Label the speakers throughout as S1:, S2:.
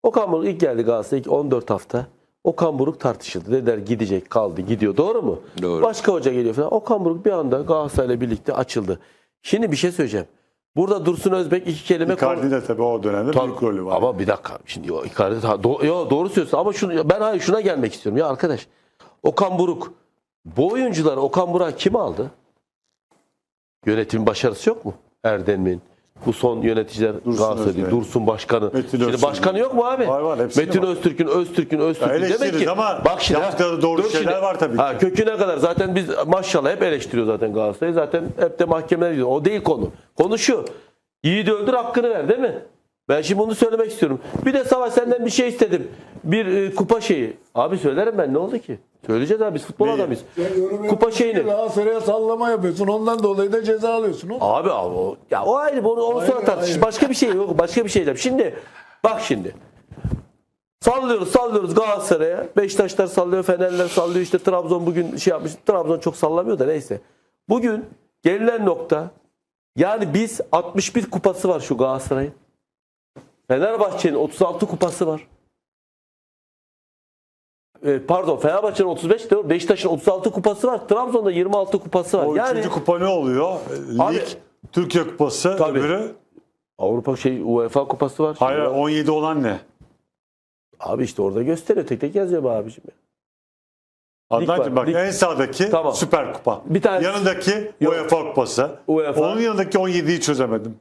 S1: Okan Buruk ilk geldi Galatasaray'a, ilk 14 hafta. Okan Buruk tartışıldı. Dediler gidecek, kaldı, gidiyor. Doğru mu?
S2: Doğru.
S1: Başka hoca geliyor falan. Okan Buruk bir anda Galatasaray'la birlikte açıldı. Şimdi bir şey söyleyeceğim. Burada Dursun Özbek iki kelime...
S3: Icardi de tabii o dönemde büyük rolü var.
S1: Ama bir dakika. Şimdi o Icardi doğru söylüyorsun ama ben şuna gelmek istiyorum. Ya arkadaş, Okan Buruk, bu oyuncuları Okan Buruk kim aldı? Yönetimin başarısı yok mu? Erdem'in, bu son yöneticiler Galatasaray'da, Dursun Başkanı. Şimdi başkanı yok mu abi?
S3: Var,
S1: Metin Öztürk'ün. Demek ki bak şimdi
S3: yaptıkları doğru şeyler var tabii ki.
S1: Köküne kadar zaten biz maşallah hep eleştiriyor zaten Galatasaray'ı. Zaten hep de mahkemeler gidiyor. O değil konu. Konu şu. Yiğidi öldür, hakkını ver, değil mi? Ben şimdi bunu söylemek istiyorum. Bir de Savaş senden bir şey istedim. Bir kupa şeyi. Abi söylerim ben, ne oldu ki? Söyleyeceğiz abi, biz futbol adamıyız. Kupa şeyini.
S4: Galatasaray'a sallama yapıyorsun. Ondan dolayı da ceza alıyorsun.
S1: Abi o ayrı, onu sonra tartışırız. Başka bir şey yok. Başka bir şey diyeceğim. Şimdi bak şimdi. Sallıyoruz Galatasaray'a. Beşiktaşlar sallıyor, Fenerler sallıyor. İşte Trabzon bugün şey yapmış. Trabzon çok sallamıyor da neyse. Bugün gelinen nokta, yani biz 61 kupası var şu Galatasaray'ın. Fenerbahçe'nin 36 kupası var. Pardon, Fenerbahçe'nin 35, değil mi? Beşiktaş'ın 36 kupası var. Trabzon'da 26 kupası var.
S3: O
S1: Yani
S3: üçüncü kupa ne oluyor?
S1: Abi,
S3: Lig, Türkiye Kupası,
S1: tabii.
S3: öbürü.
S1: Avrupa UEFA kupası var.
S3: Hayır, 17 olan ne?
S1: Abi işte orada gösteriyor. Tek tek yazıyor be abiciğim.
S3: Adnancığım bak,
S1: lig.
S3: en sağdaki
S1: Tamam.
S3: Süper Kupa.
S1: Bir tanesi-
S3: Yanındaki
S1: Yok.
S3: UEFA Kupası.
S1: UEFA.
S3: Onun yanındaki 17'yi çözemedim.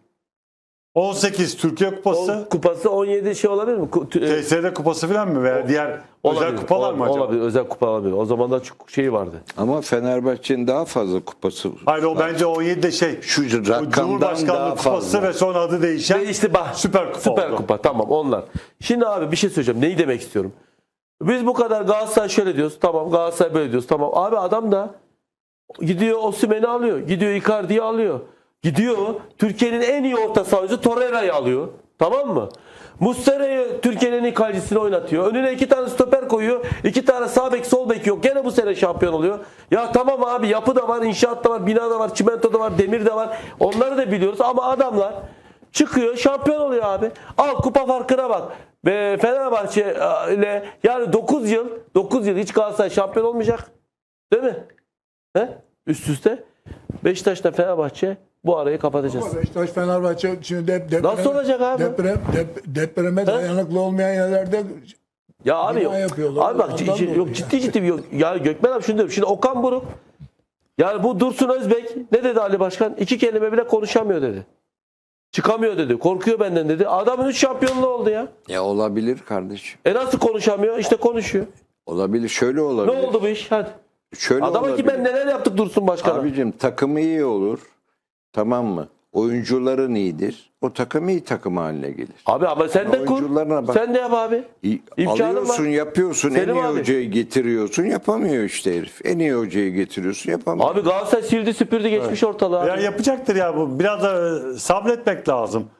S3: 18 Türkiye Kupası.
S1: Kupası 17 şey olabilir mi?
S3: TSD Kupası falan mı? Veya diğer özel kupalar mı acaba?
S1: Olabilir. Özel kupa olabilir. O zaman da çok şeyi vardı.
S2: Ama Fenerbahçe'nin daha fazla kupası var.
S3: Hayır, o bence 17 de
S2: Şu
S3: o
S2: rakamdan
S3: Cumhurbaşkanlığı
S2: daha
S3: Kupası
S2: fazla.
S3: ve sonra adı değişen
S1: İşte bak,
S3: Süper Kupa oldu.
S1: Kupa. Tamam, onlar. Şimdi abi bir şey söyleyeceğim. Neyi demek istiyorum? Biz bu kadar Galatasaray şöyle diyoruz. Tamam, Galatasaray böyle diyoruz. Tamam. Abi adam da gidiyor Osimhen'i alıyor. Gidiyor Icardi'yi alıyor. Gidiyor Türkiye'nin en iyi orta sahası Torreira'yı alıyor. Tamam mı? Muslera'yı Türkiye'nin en iyi kalecisini oynatıyor. Önüne 2 tane stoper koyuyor. 2 tane sağ bek, sol bek yok. Gene bu sene şampiyon oluyor. Ya tamam abi, yapı da var, inşaat da var, bina da var, çimento da var, demir de var. Onları da biliyoruz ama adamlar çıkıyor, şampiyon oluyor abi. Al, kupa farkına bak. Ve Fenerbahçe ile yani 9 yıl hiç Galatasaray şampiyon olmayacak. Değil mi? He? Üst üste. Beşiktaş'ta Fenerbahçe bu arayı kapatacağız.
S4: Ama Beşiktaş, Fenerbahçe şimdi deprem,
S1: Nasıl olacak abi?
S4: Depreme dayanıklı olmayan yerlerde
S1: Ya abi
S4: bina yapıyorlar.
S1: abi bak
S4: Ondan dolayı
S1: yok, ciddi yok. Ya Gökmen abi şunu diyorum. Şimdi Okan Buruk, yani bu Dursun Özbek ne dedi Ali Başkan? 2 kelime bile konuşamıyor dedi. Çıkamıyor dedi. Korkuyor benden dedi. Adamın 3 şampiyonluğu oldu ya.
S2: Ya olabilir kardeşim.
S1: Nasıl konuşamıyor? İşte konuşuyor.
S2: Olabilir. Şöyle
S1: Ne
S2: olabilir.
S1: oldu bu iş? Hadi.
S2: Şöyle
S1: Adama ki
S2: olabilir.
S1: ben neler yaptık Dursun Başkan'a.
S2: Abicim takımı iyi olur. Tamam mı? Oyuncuların iyidir. O takım iyi takım haline gelir.
S1: Abi ama sen de kur.
S2: Oyuncularına bak.
S1: Sen de yap abi. İmkanın
S2: Alıyorsun,
S1: var.
S2: yapıyorsun.
S1: Selim
S2: en iyi
S1: abi.
S2: hocayı getiriyorsun. Yapamıyor işte herif. En iyi hocayı getiriyorsun. Yapamıyor.
S1: Abi Galatasaray sildi süpürdü geçmiş ortalığı.
S3: Ya
S1: Abi.
S3: yapacaktır ya bu. Biraz da sabretmek lazım.